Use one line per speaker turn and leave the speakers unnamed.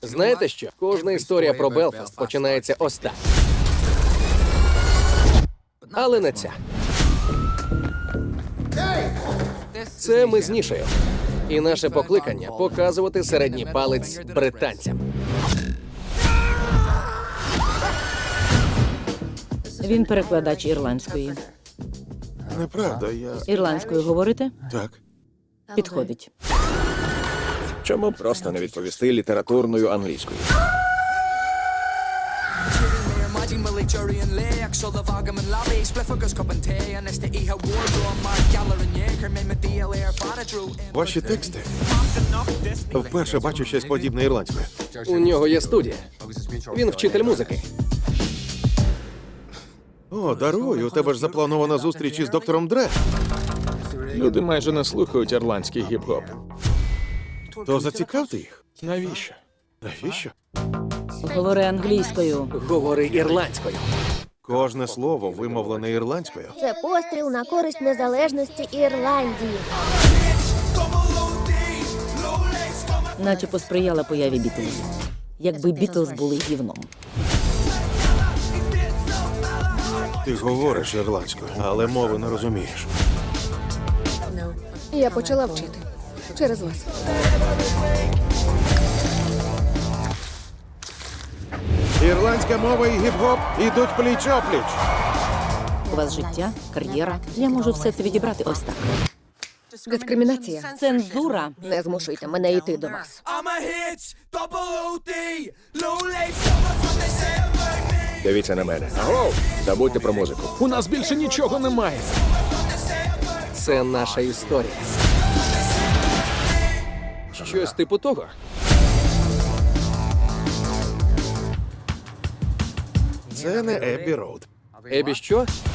Знаєте що? Кожна історія про Белфаст починається ось так. Але не ця. Це ми з Нішею. І наше покликання – показувати середній палець британцям.
Він перекладач ірландської.
Неправда, я...
Ірландською говорите?
Так.
Підходить.
Чому просто не відповісти літературною англійською?
Ваші тексти? Вперше бачу щось подібне ірландською.
У нього є студія. Він вчитель музики.
О, даруй, у тебе ж запланована зустріч із доктором Дре.
Люди майже не слухають ірландський гіп-хоп.
То зацікавте їх.
Навіщо?
Навіщо?
Говори англійською.
Говори ірландською.
Кожне слово вимовлене ірландською.
Це постріл на користь незалежності Ірландії.
Наче посприяла появі Бітлз. Якби Бітлз були гівном.
Ти говориш ірландською, але мови не розумієш.
Я почала вчити. Через вас.
Ірландська мова і гіп-гоп ідуть пліч-опліч.
У вас життя, кар'єра. Я можу все це відібрати ось так.
Дискримінація.
Цензура.
Не змушуйте мене йти до вас.
Дивіться на мене. Аго! Забудьте про музику. У нас більше нічого немає.
Це наша історія. Щось типу того.
Це не Еббі Роуд.
Ебі що?